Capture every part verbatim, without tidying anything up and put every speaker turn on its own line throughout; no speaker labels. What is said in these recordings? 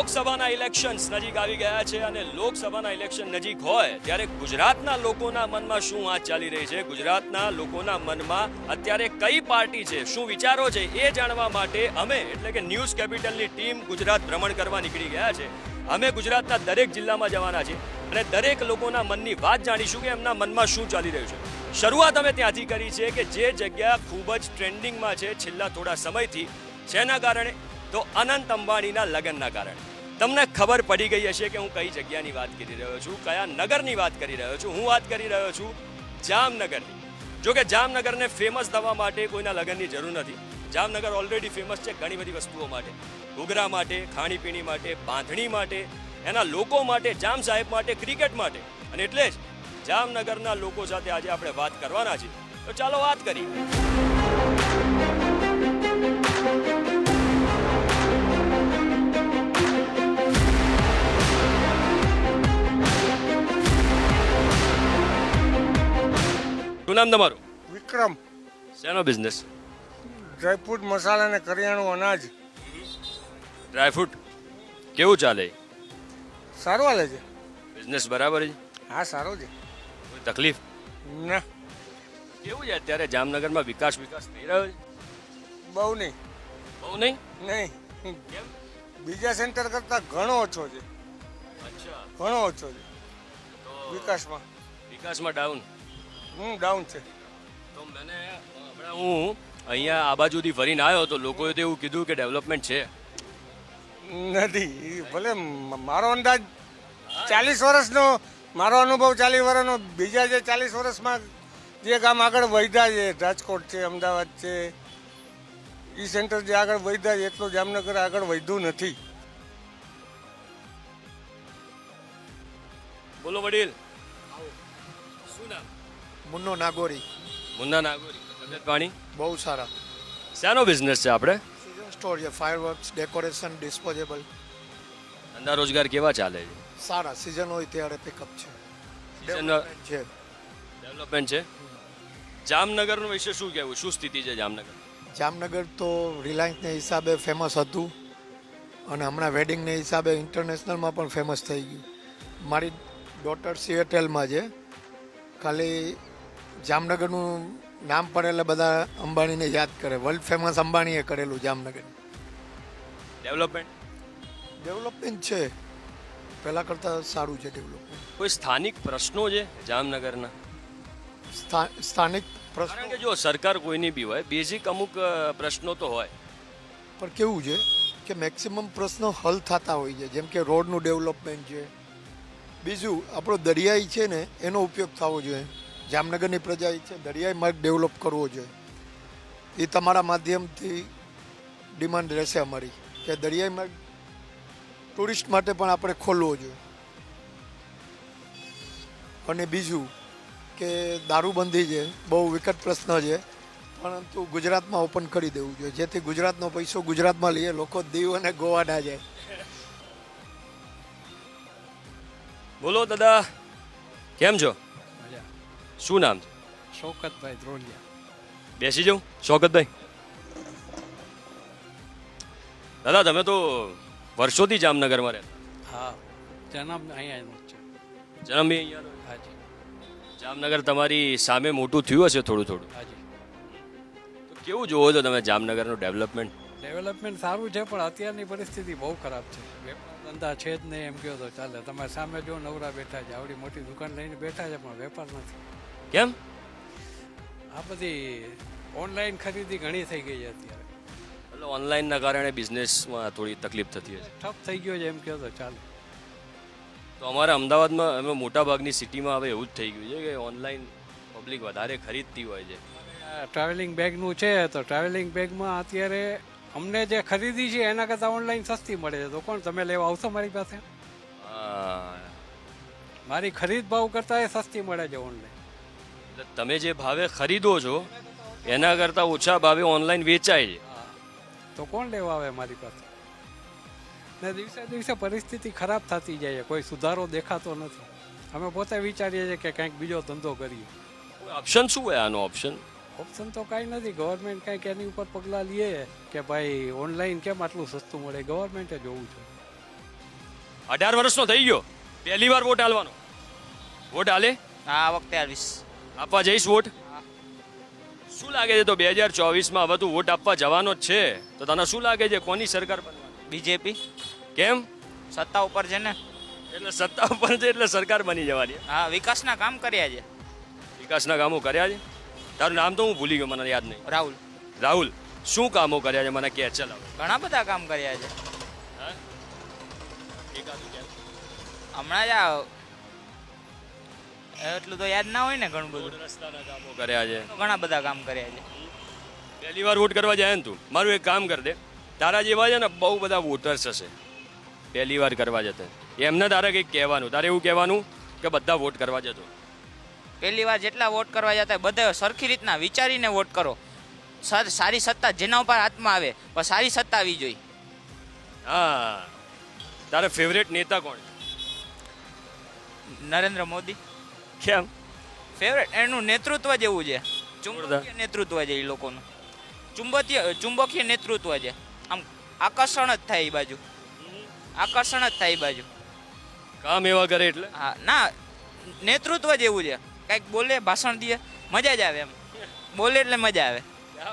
લોકસભાના ઇલેક્શન્સ નજીક આવી ગયા છે અને લોકસભાના ઇલેક્શન નજીક હોય ત્યારે ગુજરાતના લોકોના મનમાં શું વાત ચાલી રહી છે, ગુજરાતના લોકોના મનમાં અત્યારે કઈ પાર્ટી છે, શું વિચારો છે, એ જાણવા માટે અમે એટલે કે ન્યૂઝ કેપિટલની ટીમ ગુજરાત ભ્રમણ કરવા નીકળી ગયા છે. અમે ગુજરાતના દરેક જિલ્લામાં જવાના છીએ અને દરેક લોકોના મનની વાત જાણીશું કે એમના મનમાં શું ચાલી રહ્યું છે. શરૂઆત અમે ત્યાંથી કરી છે કે જે જગ્યા ખૂબ જ ટ્રેન્ડિંગમાં છે છેલ્લા થોડા સમયથી, જેના કારણે તો અનંત અંબાણીના લગ્નના કારણે. તમને ખબર પડી ગઈ હશે કે હું કઈ જગ્યાની વાત કરી રહ્યો છું, કયા નગરની વાત કરી રહ્યો છું. હું વાત કરી રહ્યો છું જામનગરની. જો કે જામનગરને ફેમસ થવા માટે કોઈના લગ્નની જરૂર નથી. જામનગર ઓલરેડી ફેમસ છે ઘણી બધી વસ્તુઓ માટે, ઘૂઘરા માટે, ખાણીપીણી માટે, બાંધણી માટે, એના લોકો માટે, જામ સાહેબ માટે, ક્રિકેટ માટે. અને એટલે જ જામનગરના લોકો સાથે આજે આપણે વાત કરવાના છીએ. તો ચાલો વાત કરીએ. શું નામ તમારું?
વિક્રમ.
શેનો બિઝનેસ?
ડ્રાયફ્રૂટ, મસાલા અને કરિયાણું, અનાજ.
ડ્રાયફ્રૂટ કેવું ચાલે?
સારું હાલે છે.
બિઝનેસ બરાબર છે?
હા, સારો છે.
કોઈ તકલીફ?
ના,
કેવું છે અત્યારે જામનગરમાં વિકાસ વિકાસ થઈ રહ્યો છે?
બહુ નહીં.
બહુ નહીં?
નહીં,
કેમ?
બીજા સેન્ટર કરતાં ઘણો ઓછો છે.
અચ્છા,
ઘણો ઓછો છે
તો
વિકાસમાં.
વિકાસમાં ડાઉન.
હું ડાઉન છે.
તો મને હમણાં હું અહીંયા આ બાજુથી ફરીને આવ્યો તો લોકોએ તો એવું કીધું કે ડેવલપમેન્ટ છે.
નથી. ઈ ભલે મ- મારો અંદાજ ચાલીસ વર્ષનો, મારો અનુભવ ચાલીસ વર્ષનો. બીજા જે ચાલીસ વર્ષમાં જે ગામ આગળ વધ્યા છે, રાજકોટ છે, અમદાવાદ છે, એ સેન્ટર જે આગળ વધ્યા છે એટલું જામનગર આગળ વધ્યું નથી.
બોલો વડીલ, શું નામ?
મુન્નો નાગોરી.
મુન્ના નાગોરી. તબિયત પાણી
બહુ સારા.
શાનો બિઝનેસ છે આપણે?
સિઝન સ્ટોર છે, ફાયરવર્ક્સ, ડેકોરેશન, ડિસ્પોઝેબલ.
ધંધા રોજગાર કેવા ચાલે છે?
સારા. સિઝન હોય ત્યારે પિકઅપ છે,
Season-
ડેવલપમેન્ટ છે.
ડેવલપમેન્ટ છે. જામનગરનું વિશે શું કહેવું, શું સ્થિતિ છે જામનગર?
જામનગર તો રિલાયન્સને હિસાબે ફેમસ હતું અને હમણાં વેડિંગને હિસાબે ઇન્ટરનેશનલમાં પણ ફેમસ થઈ ગયું. મારી ડોટર સિએટેલમાં છે. ખાલી જામનગરનું નામ પડે એટલે બધા અંબાણીને યાદ કરે. વર્લ્ડ ફેમસ અંબાણીએ કરેલું જામનગર.
ડેવલપમેન્ટ
ડેવલપમેન્ટ છે, પહેલાં કરતાં સારું છે ડેવલપમેન્ટ.
કોઈ સ્થાનિક પ્રશ્નો છે જામનગરના?
સ્થા- સ્થાનિક
કારણ
પ્રશ્નો
કે જો સરકાર કોઈની બી હોય, બેઝિક અમુક અ, પ્રશ્નો તો હોય.
પર કેવું છે કે મેક્સિમમ પ્રશ્નો હલ થતા હોય છે, જેમ કે રોડનું ડેવલપમેન્ટ છે. બીજું આપણો દરિયાઈ છે ને એનો ઉપયોગ થવો જોઈએ. જામનગરની પ્રજા છે દરિયાઈ માર્ગ ડેવલપ કરવો જોઈએ. એ તમારા માધ્યમથી ડિમાન્ડ રહેશે અમારી કે દરિયાઈ માર્ગ ટુરિસ્ટ માટે પણ આપણે ખોલવો જોઈએ. અને બીજું કે દારૂબંધી છે, બહુ વિકટ પ્રશ્ન છે, પરંતુ ગુજરાતમાં ઓપન કરી દેવું જોઈએ, જેથી ગુજરાતનો પૈસો ગુજરાતમાં લઈએ, લોકો દીવ અને ગોવા ના જાય.
બોલો દાદા, કેમ છો? શું નામ છે?
શૌકતભાઈ ધ્રોલિયા.
બેસી જાઉં શૌકતભાઈ? દાદા તમે તો વર્ષોથી જામનગરમાં રહેતા,
હા, જન્મ અહીંયાનો જ છે.
જન્મ બી અહીંયાનો?
હાજી,
જામનગર તમારી સામે મોટું થયું હશે થોડું થોડું.
હાજી.
તો કેવું જોવો છો તમે જામનગરનું ડેવલપમેન્ટ?
ડેવલપમેન્ટ સારું છે પણ અત્યારની પરિસ્થિતિ બહુ ખરાબ છે. વેપાર ધંધા છે જ નહીં એમ કહો તો ચાલે. તમે સામે જો નવરા બેઠા છે, આવડી મોટી દુકાન લઈને બેઠા છે પણ વેપાર નથી.
કેમ?
આ બધી ઓનલાઈન ખરીદી ઘણી થઈ ગઈ છે અત્યારે.
એટલે ઓનલાઈનના કારણે બિઝનેસમાં થોડી તકલીફ થતી હશે.
ઠપ થઈ ગયો છે એમ કહો તો ચાલે.
તો અમારા અમદાવાદમાં અમે મોટા ભાગની સિટીમાં હવે એવું જ થઈ ગયું છે કે ઓનલાઈન પબ્લિક વધારે ખરીદતી હોય છે.
આ ટ્રાવેલિંગ બેગનું છે તો ટ્રાવેલિંગ બેગમાં અત્યારે અમને જે ખરીદી છે એના કરતાં ઓનલાઈન સસ્તી મળે છે. તો કોણ તમે લેવા આવશો મારી પાસે?
હા,
મારી ખરીદ ભાવ કરતાં એ સસ્તી મળે છે ઓનલાઈન.
એટલે તમે જે ભાવે ખરીદો છો એના કરતાં ઓછા ભાવે ઓનલાઈન વેચાય છે.
હા, તો કોણ લેવા આવે મારી પાસે? ને દિવસે દિવસે પરિસ્થિતિ ખરાબ થતી જાય છે, કોઈ સુધારો દેખાતો નથી. અમે પોતે વિચારીએ છીએ કે કંઈક બીજો ધંધો કરીએ.
ઓપ્શન શું હોય આનો? ઓપ્શન
ઓપ્શન તો કાંઈ નથી. ગવર્મેન્ટ કંઈક એની ઉપર પગલાં લે કે ભાઈ ઓનલાઈન કેમ આટલું સસ્તું મળે, ગવર્મેન્ટે જોવું છે.
અઢાર વર્ષનો થઈ ગયો પહેલી વાર વોટ હાલવાનો વોટ હાલે
આ વખતે આવીશ.
આપવા જઈશ વોટ શું લાગે છે તો બે હજાર ચોવીસમાં હવે તું વોટ આપવા જવાનો જ છે તો તને શું લાગે છે કોની સરકાર બનવાની
બીજેપી
કેમ
સત્તા ઉપર છે ને.
એટલે સત્તા ઉપર છે એટલે સરકાર બની જવાની
હા, વિકાસના કામ કર્યા છે.
વિકાસના કામો કર્યા છે તારું નામ તો હું ભૂલી ગયો મને યાદ નહીં
રાહુલ
રાહુલ શું કામો કર્યા છે મને કે ચલાવ
ઘણા બધા કામ કર્યા છે.
એકાદું કે
હમણાં જ આ એટલું તો યાદ ના હોય ને. ઘણું બધું
રસ્તાના કામો કર્યા છે
તો ઘણા બધા કામ કર્યા છે.
પહેલી વાર વોટ કરવા જાય ને તું મારું એક કામ કર દે તારા જેવા છે ને બહુ બધા વોટર્સ હશે પહેલી વાર કરવા જતા એમને તારે કંઈક કહેવાનું તારે એવું કહેવાનું કે બધા વોટ કરવા જતો
પહેલી વાર જેટલા વોટ કરવા જતા હોય બધા સરખી રીતના વિચારીને વોટ કરો. સર સારી સત્તા જેના ઉપર હાથમાં આવે પણ સારી સત્તા આવી જોઈએ.
હા તારે ફેવરેટ નેતા કોણ છે?
નરેન્દ્ર મોદી
કેમ
ફેવરેટ. એનું નેતૃત્વ જેવું છે. ચુંબકીય નેતૃત્વ છે એ લોકોનું. ચુંબકીય ચુંબકીય નેતૃત્વ છે. આમ આકર્ષણ જ થાય એ બાજુ. આકર્ષણ જ થાય એ બાજુ.
કામ એવા કરે એટલે
હા ના, નેતૃત્વ જેવું છે. કંઈક બોલે ભાષણ દે મજા જ આવે. એમ બોલે એટલે મજા આવે.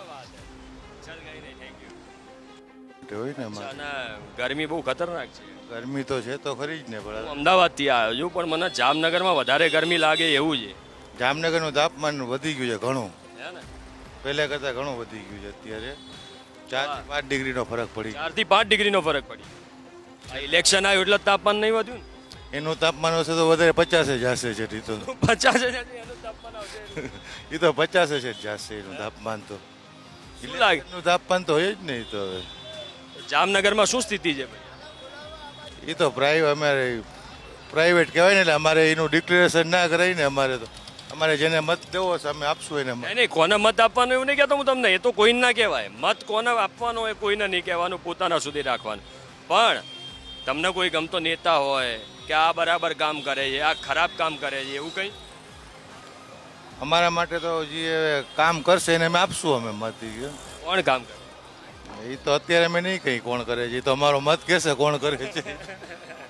હોય ને એમાં.
અચ્છા, ના ગરમી બહુ ખતરનાક છે
ગરમી તો છે તો ખરી જ ને
હું
પણ
અમદાવાદથી આવ્યો છું પણ મને જામનગરમાં વધારે ગરમી લાગે એવું છે
જામનગરનું તાપમાન વધી ગયું છે ઘણું.
હે ને
પહેલા કરતાં ઘણું વધી ગયું છે અત્યારે ચાર થી પાંચ ડિગ્રીનો ફરક પડી ગયો.
ચાર થી પાંચ ડિગ્રીનો ફરક પડી આ ઇલેક્શન આવ્યું એટલે જ તાપમાન નહીં વધ્યું
એનું તાપમાન હશે તો વધારે પચાસે જ હશે છે એ તો
ને પચાસ હજાર એનું તાપમાન આવશે
એ તો પચાસે જ જશે એનું તાપમાન તો.
શું લાગે
એનું તાપમાન તો હોય જ નહીં તો હવે
જામનગરમાં શું સ્થિતિ છે ભાઈ
એ તો પ્રાઇવેટ અમારે પ્રાઇવેટ કહેવાય ને એટલે અમારે એનું ડિક્લેરેશન ના કરાય ને અમારે તો અમારે જેને મત દેવો છે અમે આપશું એને મત.
નહીં નહીં કોને મત આપવાનો એવું નહીં કહેતો હું તમને એ તો કોઈને ના કહેવાય મત કોને આપવાનો એ કોઈને નહીં કહેવાનું પોતાના સુધી રાખવાનું પણ તમને કોઈ ગમતો નેતા હોય કે આ બરાબર કામ કરે છે આ ખરાબ કામ કરે છે એવું કંઈ
અમારા માટે તો જે કામ કરશે એને અમે આપશું અમે મત.
કોણ કામ કરે
એ તો અત્યારે અમે નહીં કહી કોણ કરે છે એ તો અમારો મત કહેશે કોણ કરે છે.